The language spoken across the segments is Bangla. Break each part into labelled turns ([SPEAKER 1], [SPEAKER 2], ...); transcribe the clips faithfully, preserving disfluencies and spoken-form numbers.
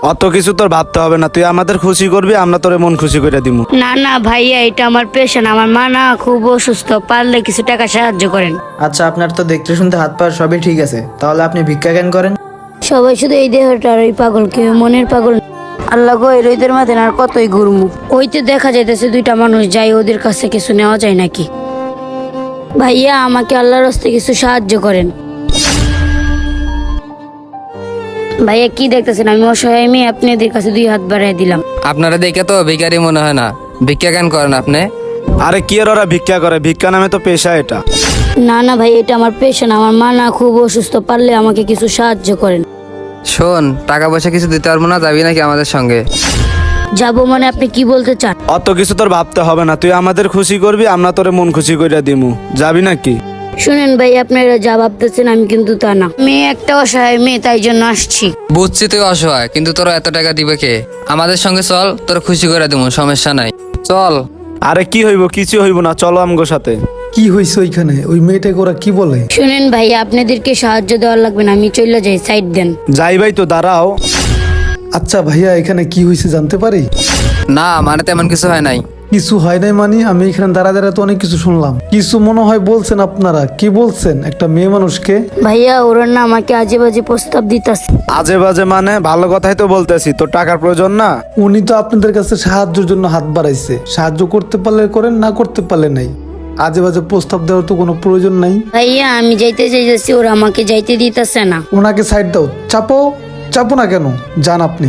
[SPEAKER 1] অত কিছু তোর ভাবতে হবে না, তুই আমাদের খুশি করবি, আমরা তোরে মন খুশি করে দিমু।
[SPEAKER 2] না না ভাইয়া, এটা আমার পেশেন্ট, আমার মা না খুব অসুস্থ, পারলে কিছু টাকা সাহায্য করেন।
[SPEAKER 3] আচ্ছা, আপনার তো দেখতে শুনতে হাত পা সবই ঠিক আছে, তাহলে আপনি ভিক্ষা কেন করেন?
[SPEAKER 2] সবাই শুধু এই দেহটার ওই পাগল, কেউ মনের পাগল। আল্লাহ গো, এই রোদের মাঝে আর কতই ঘুরমু। ওইতে দেখা যাইতেছে দুইটা মানুষ, যাই ওদের কাছে কিছু নেওয়া যায় নাকি। ভাইয়া আমাকে আল্লাহর রাস্তে কিছু সাহায্য করেন। ভাইয়া কি দেখতেছেন, আমি অসহায় মেয়ে, আপনি এদের কাছে দুই হাত বাড়াই দিলাম।
[SPEAKER 4] আপনারা দেখে তো ভিখারি মনে হয় না, ভিক্ষা কেন করেন আপনি?
[SPEAKER 1] আরে কি আর ওরা ভিক্ষা করে, ভিক্ষা নামে তো পেশা এটা।
[SPEAKER 2] না না ভাই, এটা আমার পেশেন্ট, আমার মা না খুব অসুস্থ, পারলে আমাকে কিছু সাহায্য করেন।
[SPEAKER 4] শোন, টাকা পয়সা কিছু দিতে পারবো না, যাবি নাকি আমাদের সঙ্গে?
[SPEAKER 2] যাবো মানে আপনি কি বলতে চান?
[SPEAKER 1] অত কিছু তোর ভাবতে হবে না, তুই আমাদের খুশি করবি, আমরা তোরে মন খুশি করে দিমু। যাবি নাকি?
[SPEAKER 2] শুনেন ভাই, আপনারা যা ভাবতেছেন আমি কিন্তু তা না, মেয়ে একটা অসহায় মেয়ে, তাই জন্য আসছি।
[SPEAKER 4] বুঝছি তুই অসহায়, কিন্তু তোরা এত টাকা দিবে কে? আমাদের সঙ্গে চল, তোর খুশি করে দেবো, সমস্যা নাই, চল।
[SPEAKER 1] আরে কি হইব, কিছু হইব না, চলো আমগো সাথে।
[SPEAKER 5] কি হয়েছে ওইখানে? ওই মেয়েটাকে ওরা কি বলে?
[SPEAKER 2] শুনেন ভাই, আপনাদেরকে সাহায্য দেওয়ার লাগবে না, আমি চলে যাই, সাইড দেন।
[SPEAKER 1] যাই ভাই, তো দাঁড়াও।
[SPEAKER 5] আচ্ছা ভাইয়া, এখানে কি হয়েছে জানতে পারি?
[SPEAKER 4] না মানে তেমন কিছু হয় নাই।
[SPEAKER 5] কিছু হয় নাই মানে? আমি এখানে দাঁড়া দাঁড়া তো অনেক কিছু শুনলাম। কিছু মনে হয় বলছেন আপনারা। কি বলছেন একটা মেয়ে মানুষকে?
[SPEAKER 2] ভাইয়া ওরা না আমাকে আজে বাজে প্রস্তাব দিতেছে।
[SPEAKER 1] আজে বাজে মানে? ভালো কথাই তো বলতেছি, তোর টাকার প্রয়োজন না?
[SPEAKER 5] উনি তো আপনাদের কাছে সাহায্যের জন্য হাত বাড়াইছে, সাহায্য করতে পারলে করেন, না করতে পারলে নাই। আজে বাজে প্রস্তাব দেওয়ার তো কোনো প্রয়োজন নাই।
[SPEAKER 2] ভাইয়া আমি যাইতে চাইতেছি, ওরা আমাকে যাইতে দিতেছে না।
[SPEAKER 5] ওনাকে সাইড দাও। চাপো চাপো না কেন, যান আপনি।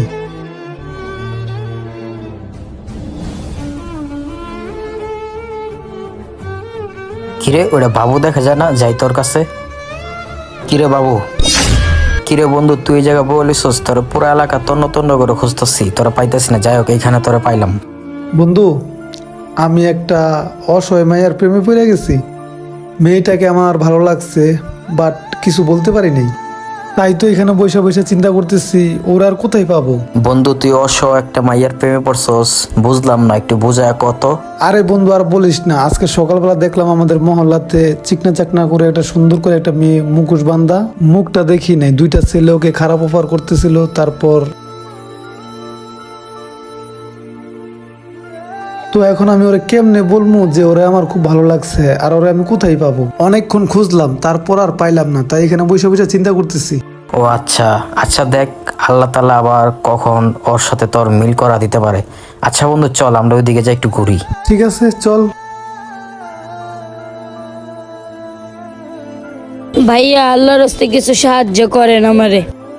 [SPEAKER 6] কিরে, ওটা বাবু দেখা যায় না? যাই তোর কাছে। কিরে বাবু, কিরে বন্ধু, তুই এই জায়গা বলিস? তোর পুরো এলাকা তন্ন তন্ন করে খুঁজতেছি, তোরা পাইতেছি না। যাই হোক, এইখানে তোরা পাইলাম।
[SPEAKER 5] বন্ধু, আমি একটা অসহায় মায়ের প্রেমে পড়ে গেছি। মেয়েটাকে আমার ভালো লাগছে, বাট কিছু বলতে পারি নাই। তাই তো এখানে বসে বসে চিন্তা করতেছি, ওরা আর কোথায় পাবো।
[SPEAKER 6] বন্ধু, তুই অস একটা মাইয়ার প্রেমে পড়ছস, বুঝলাম না, একটু বুঝায় কত।
[SPEAKER 5] আরে বন্ধু, আর বলিস না। আজকে সকালবেলা দেখলাম আমাদের মহল্লাতে চিকনা চাকনা করে একটা সুন্দর করে একটা মেয়ে মুখোশ বান্ধা। মুখটা দেখি নাই, দুইটা ছেলে ওকে খারাপ অফার করতেছিল। তারপর তো এখন আমি ওরে কেমনে বলবো যে ওরে আমার খুব ভালো লাগছে, আর ওরে আমি কোথায় পাবো? অনেকক্ষণ খুঁজলাম, তারপর আর পাইলাম না। তাই এখানে বসে বসে চিন্তা করতেছি।
[SPEAKER 6] ও আচ্ছা আচ্ছা, দেখ আল্লাহ তাআলা আবার কখন ওর সাথে তোর মিল করা দিতে পারে। আচ্ছা বন্ধু, চল আমরা ওইদিকে যাই, একটু ঘুরি।
[SPEAKER 5] ঠিক আছে, চল।
[SPEAKER 2] ভাইয়া আল্লাহর রাস্তে কিছু সাহায্য করেন আমারে।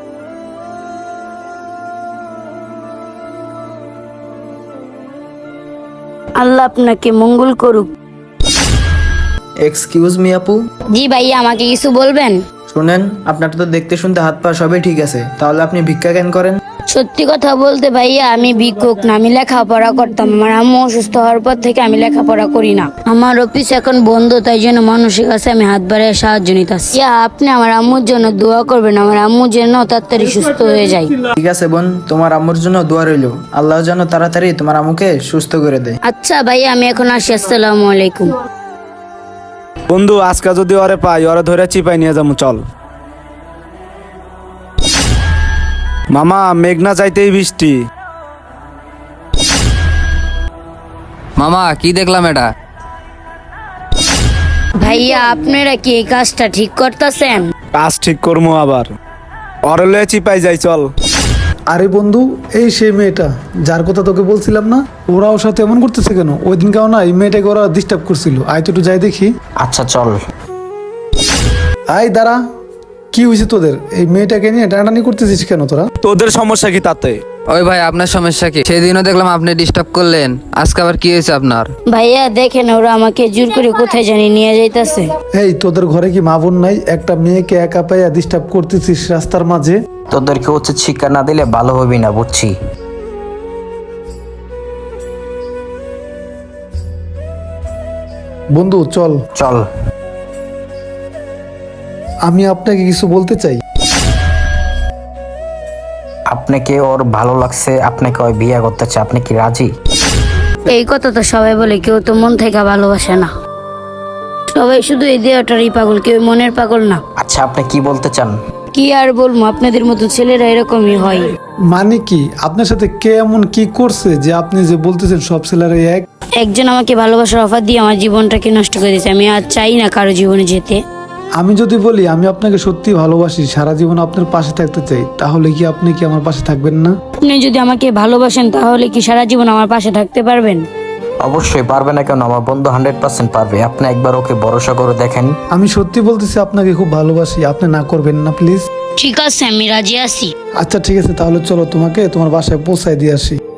[SPEAKER 2] আল্লাহ আপনাকে মঙ্গল করুক।
[SPEAKER 3] এক্সকিউজ মি আপু,
[SPEAKER 2] জি ভাইয়া, আমাকে কিছু বলবেন?
[SPEAKER 3] শুনেন, আপনার তো দেখতে শুনতে হাত পা সবই ঠিক আছে, তাহলে আপনি ভিক্ষা কেন করেন?
[SPEAKER 2] সত্যি কথা বলতে ভাইয়া, আমি ভিক্ষুক না, আমি লেখাপড়া করতাম। আমার আম্মু অসুস্থ হওয়ার পর থেকে আমি লেখাপড়া করি না। আমার অফিস এখন বন্ধ, তাই জন্য মানুষের কাছে আমি হাত বাড়িয়ে সাহায্য নিতেছি। ইয়া, আপনি আমার আম্মুর জন্য দোয়া করবেন, আমার আম্মু যেন তাড়াতাড়ি সুস্থ হয়ে যায়।
[SPEAKER 3] ঠিক আছে বোন, তোমার আম্মুর জন্য দোয়া রইল, আল্লাহ যেন তাড়াতাড়ি তোমার আম্মুকে সুস্থ করে দেয়।
[SPEAKER 2] আচ্ছা ভাইয়া, আমি এখন আসি, আসসালামু আলাইকুম।
[SPEAKER 1] বন্ধু, আজকে যদি ওরে পাই, ওরে ধরে চিপাই নিয়ে যাবো, চল। মামা, মেঘনা চাইতেই বৃষ্টি।
[SPEAKER 4] মামা কি দেখলাম এটা?
[SPEAKER 2] ভাইয়া আপনারা কি এই কাজটা ঠিক করতেছেন?
[SPEAKER 1] কাজ ঠিক করবো আবার, ওরে লয়ে চিপাই যাই, চল।
[SPEAKER 5] আরে বন্ধু, এই সেই মেয়েটা যার কথা তোকে বলছিলাম না? ওরা ওর সাথে এমন করতেছে কেন? ওই দিন কেউ না এই মেয়েটাকে ওরা ডিস্টার্ব করছিল। আয় তো একটু যাই দেখি।
[SPEAKER 6] আচ্ছা চল।
[SPEAKER 5] আয় দাঁড়া, কি হয়েছে তোদের? এই মেয়েটাকে নিয়ে টানাটানি করতেছিস কেন তোরা?
[SPEAKER 1] তোদের সমস্যা কি তাতে?
[SPEAKER 4] ওই ভাই, আপনার সমস্যা কি? সেদিনও দেখলাম আপনি ডিস্টার্ব করলেন, আজকে আবার কি হয়েছে আপনার?
[SPEAKER 2] ভাইয়া দেখেন, ওরা আমাকে জোর করে কোথায় জানি নিয়ে যাইতেছে।
[SPEAKER 5] এই তোদের ঘরে কি মা বোন নাই? একটা মেয়েকে একা পাইয়া ডিস্টার্ব করতেছিস রাস্তার মাঝে।
[SPEAKER 6] তোদেরকে উচিত শিক্ষা না দিলে ভালো হবি না, বুঝছি।
[SPEAKER 5] বন্ধু চল।
[SPEAKER 6] চল।
[SPEAKER 5] আমি আপনাকে কিছু বলতে চাই।
[SPEAKER 6] আপনাকে ওর ভালো লাগছে, আপনাকে ওই বিয়ে করতে চায়, আপনি কি রাজি?
[SPEAKER 2] এই কথা তো সবাই বলে, কেউ তো মন থেকে ভালোবাসে না। সবাই শুধু এই দেহটারই পাগল, কেউ মনের পাগল না।
[SPEAKER 6] আচ্ছা, আপনি কি বলতে চান?
[SPEAKER 2] কি আর বলবো, আপনাদের মতো ছেলেরা এরকমই হয়।
[SPEAKER 5] মানে কি আপনার সাথে কে এমন কি করছে যে আপনি যে বলতেছেন সব ছেলেরাই এক?
[SPEAKER 2] একজন আমাকে ভালোবাসার অফার দিয়ে আমার জীবনটাকে নষ্ট করে দিয়েছে। আমি আর চাই না কারো জীবনে যেতে।
[SPEAKER 5] আমি যদি বলি আমি আপনাকে সত্যি ভালোবাসি, সারা জীবন আপনার পাশে থাকতে চাই, তাহলে কি আপনি কি আমার পাশে থাকবেন না?
[SPEAKER 2] আপনি যদি আমাকে ভালোবাসেন তাহলে কি সারা জীবন আমার পাশে থাকতে পারবেন?
[SPEAKER 6] অবশ্যই পারবে না কেন, আমার বন্ধু হান্ড্রেড পার্সেন্ট পারবে। আপনি একবার ওকে ভরসা করে দেখেন।
[SPEAKER 5] আমি সত্যি বলতেছি আপনাকে খুব ভালোবাসি, আপনি না করবেন না প্লিজ।
[SPEAKER 2] ঠিক আছে, আমি রাজি আছি।
[SPEAKER 5] আচ্ছা ঠিক আছে, তাহলে চলো তোমাকে তোমার বাসায় পৌঁছায় দিয়ে আসি।